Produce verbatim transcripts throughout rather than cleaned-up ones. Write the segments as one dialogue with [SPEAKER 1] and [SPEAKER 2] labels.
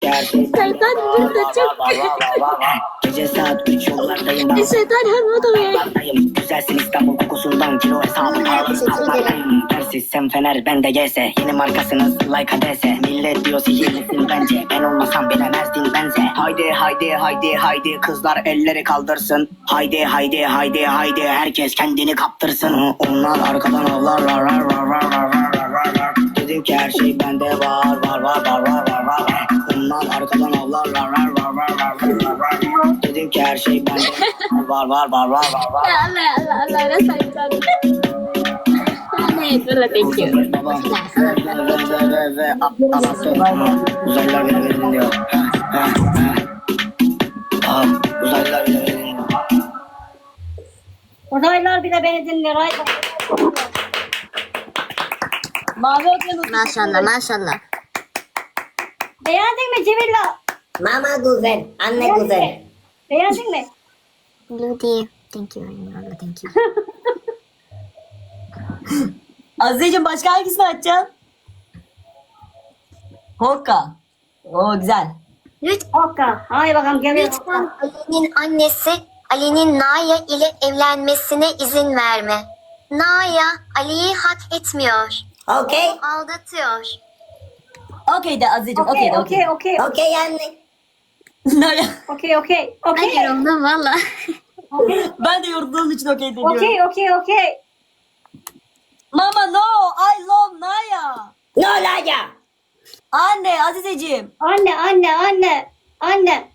[SPEAKER 1] Şeytan burada çok.
[SPEAKER 2] Gece saat üç yollardayım ben.
[SPEAKER 1] Şeytan hem o da be.
[SPEAKER 2] Yollardayım. Güzelsin İstanbul kokusundan kilo hesabı. Tersiz sen Fener ben de G S. Yeni markasınız like A D S. Millet diyor sihirlisin bence. Ben olmasam bilemezdin benze. Haydi haydi haydi haydi kızlar elleri kaldırsın. Haydi haydi haydi haydi herkes kendini kaptırsın. Onlar arkadan avlar var var var var var var var. Dedim ki her şey bende var var var var var var var. Onlar arkadan avlar var var var var var var var. Dedim ki her şey bende var var var var var var.
[SPEAKER 1] Ya Allah Allah Allah ne sayıdan. Ne böyle thank you.
[SPEAKER 2] Babam ve ve ve anlattı. Uzaylılar beni beni dinliyor. Aa, uzaylılar beni beni dinliyor.
[SPEAKER 3] Uzaylılar bile beni dinliyor. Ay. Mavi okyanus.
[SPEAKER 1] Maşallah maşallah.
[SPEAKER 3] Beğendin mi Cemilla?
[SPEAKER 4] Mama güzel, anne güzel.
[SPEAKER 3] Beğendin mi?
[SPEAKER 1] Ludi. Thank you. Allah thank you.
[SPEAKER 5] Azizeciğim başka hangisini açacaksın? Hokka. Oo güzel.
[SPEAKER 1] Lütfen,
[SPEAKER 3] Okka. Haydi bakalım geliyor.
[SPEAKER 1] lütfen Ali'nin annesi Ali'nin Naya ile evlenmesine izin verme. Naya Ali'yi hak etmiyor.
[SPEAKER 4] Okey,
[SPEAKER 1] Aldatıyor.
[SPEAKER 5] Okey de Azizeciğim okey
[SPEAKER 3] Okey
[SPEAKER 5] de okey.
[SPEAKER 3] okey okey.
[SPEAKER 4] okey anne.
[SPEAKER 5] Naya.
[SPEAKER 3] Okey okey.
[SPEAKER 1] Ben
[SPEAKER 3] Okey.
[SPEAKER 1] yoruldum valla.
[SPEAKER 5] Ben de yorulduğum için okey diyorum.
[SPEAKER 3] Okey okey okey.
[SPEAKER 5] Mama no, I love Naya.
[SPEAKER 4] No Laya.
[SPEAKER 5] Anne Azizeciğim.
[SPEAKER 3] Anne anne anne. Anne.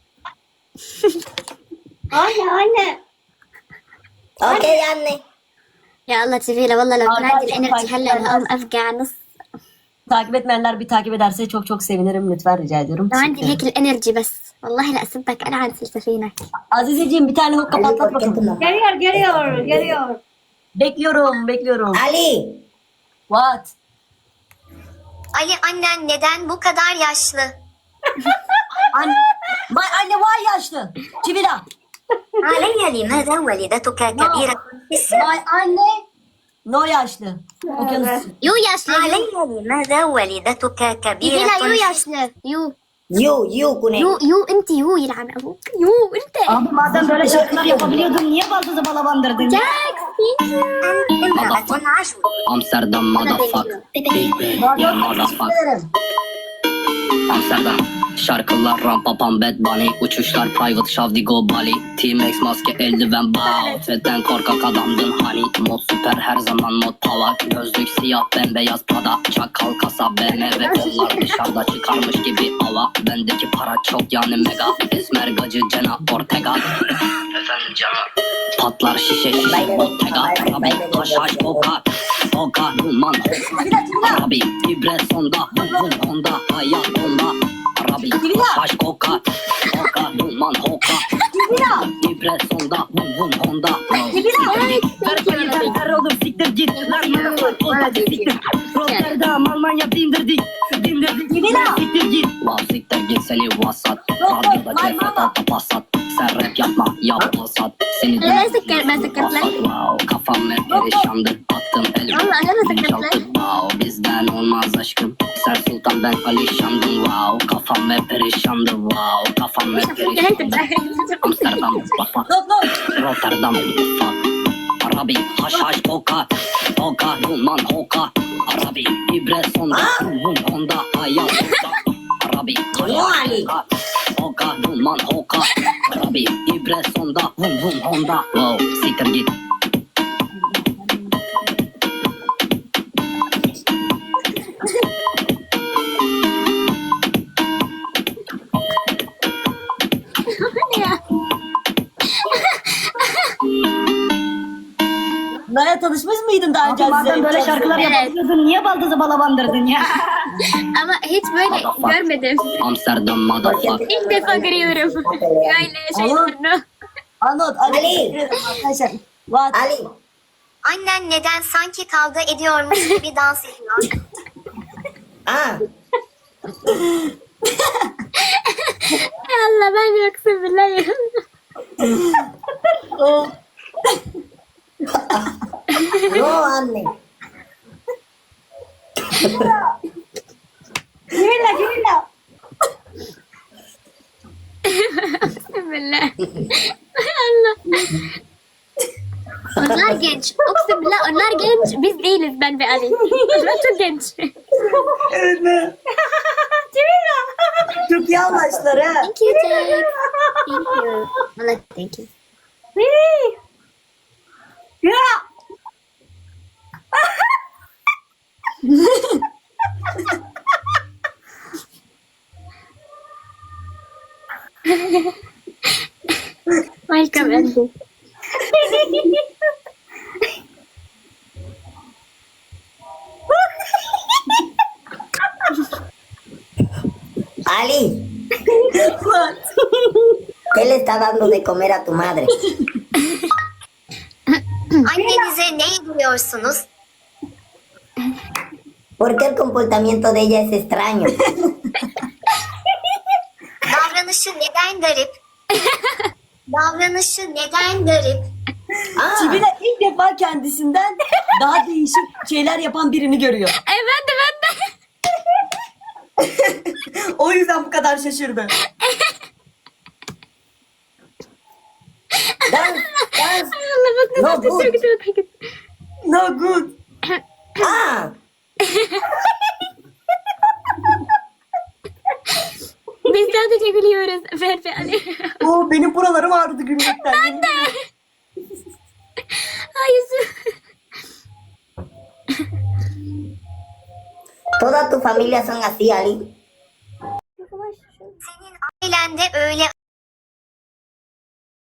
[SPEAKER 3] Anne anne.
[SPEAKER 4] Okey anne.
[SPEAKER 1] يا الله جميلة والله لو كان عندي
[SPEAKER 5] Arkadaşlar,
[SPEAKER 1] الانرجي هلا انا اقوم افقع نص.
[SPEAKER 5] Takip etmeyenler bir takip ederse çok çok sevinirim lütfen rica ediyorum.
[SPEAKER 1] لو عندي هيك الانرجي بس والله لا اسبك انا عن سلسفينك.
[SPEAKER 5] Azizeciğim bir tane hokka patlat bakalım.
[SPEAKER 3] Geliyor geliyor geliyor.
[SPEAKER 5] Bekliyorum bekliyorum.
[SPEAKER 4] Ali.
[SPEAKER 5] What?
[SPEAKER 1] Ali annen neden bu kadar yaşlı?
[SPEAKER 5] Anne, Vay anne vay yaşlı. Çivila.
[SPEAKER 1] علي لماذا والدتك كبيرة في السن؟
[SPEAKER 5] Vay anne. No yaşlı. Okyanus.
[SPEAKER 1] يو yaşlı. علي لماذا والدتك كبيرة
[SPEAKER 3] Cemila,
[SPEAKER 1] يو yaşlı. يو
[SPEAKER 4] You, you Güney.
[SPEAKER 1] يو يو انت يو يلعن ابوك يو انت.
[SPEAKER 3] Abi madem böyle şarkılar yapabiliyordun niye baldızı bala bandırdın?
[SPEAKER 1] جاك
[SPEAKER 4] امرأة عشر.
[SPEAKER 2] Amsterdam motherfucker. Big bang, yeah motherfucker. Amsterdam. Şarkılar rampa pam bad bunny. Uçuşlar private şavdigo Bali. T-Max maske eldiven bow. Fedden korkak adamdın hani. Mod süper her zaman mod pava. Gözlük siyah bembeyaz pada. Çakal kasa B M W kollar dışarıda çıkarmış gibi hava. Bendeki para çok yani mega. Esmer gacı Cena Ortega. Efendim canım. Patlar şişe şişe Bottega. Rabi haş haş koka. Koka duman hoka. Rabi ibre sonda. Vum vum honda. Hayat onda. Arabi, haş koka, koka, duman hoka. İbre sonda, vum vum honda. Siktir olur siktir git. Siktir. Rotterdam, Almanya dindirdik. Dindirdik. Siktir git. Wow siktir git seni vasat. Radyoda kefet alta pasat. Sen rap yapma yap pasat. Seni
[SPEAKER 1] Ben sıkar- ben sıkartlar.
[SPEAKER 2] Wow kafam hep perişandır. Attım elimi.
[SPEAKER 1] Allah, ben de sıkartlar.
[SPEAKER 2] Wow bizden olmaz aşkım. Sen sultan ben alişandım. Wow kafam hep perişandı. Wow kafam hep perişandı. Amsterdam mutfağı. Rotterdam mutfağı. Arabi haş haş koka. Koka duman hoka. Arabi ibre sonda. Vum honda hayat sonda. Arabi haş haş koka. Koka duman hoka. Arabi ibre sonda. Vum vum honda. Wow siktir git.
[SPEAKER 5] Naya tanışmış mıydın daha önce
[SPEAKER 3] Abi madem
[SPEAKER 5] Aziz'le?
[SPEAKER 3] böyle şarkılar
[SPEAKER 1] Evet.
[SPEAKER 3] yapabiliyordun niye baldızı bala bandırdın ya?
[SPEAKER 1] Ama hiç böyle görmedim.
[SPEAKER 2] Amsterdam motherfucker.
[SPEAKER 1] İlk defa görüyorum. Böyle şeylerini.
[SPEAKER 5] Anlat. Ali.
[SPEAKER 4] Ali.
[SPEAKER 5] Arkadaşlar. What?
[SPEAKER 4] Ali.
[SPEAKER 1] Annen neden sanki kavga ediyormuş gibi dans ediyor?
[SPEAKER 4] Ah.
[SPEAKER 1] Allah ben yoksa biliyorum.
[SPEAKER 4] No anne.
[SPEAKER 3] Cemila Cemila.
[SPEAKER 6] Onlar genç. Oksimla onlar genç. Biz değiliz ben ve Ali. Onlar çok genç.
[SPEAKER 5] Evet mi? Çok iyi anlaştılar ha.
[SPEAKER 1] Thank you, Jack. Thank you. Valla thank you.
[SPEAKER 3] Ya.
[SPEAKER 6] Welcome, Ali.
[SPEAKER 4] Ali, ¿qué le está dando de comer a tu madre?
[SPEAKER 1] Annenize ne yediriyorsunuz?
[SPEAKER 4] ¿Por qué el comportamiento de ella es extraño?
[SPEAKER 1] Davranışı neden garip? Davranışı neden garip?
[SPEAKER 4] Ah,
[SPEAKER 5] Sibila ilk defa kendisinden daha değişik şeyler yapan birini görüyor.
[SPEAKER 6] Ay ben de ben de.
[SPEAKER 5] O yüzden bu kadar şaşırdı.
[SPEAKER 4] dance, dance.
[SPEAKER 6] Allah bak
[SPEAKER 4] No
[SPEAKER 6] nasıl
[SPEAKER 4] good.
[SPEAKER 6] gidiyor gidiyor.
[SPEAKER 5] No good.
[SPEAKER 4] Ah,
[SPEAKER 6] Biz sadece gülüyoruz. Ben ve Ali.
[SPEAKER 5] Oo, benim buralarım ağrıdı gülmekten. Ben de.
[SPEAKER 6] Ay yüzüm.
[SPEAKER 4] toda tu familia son así, Ali.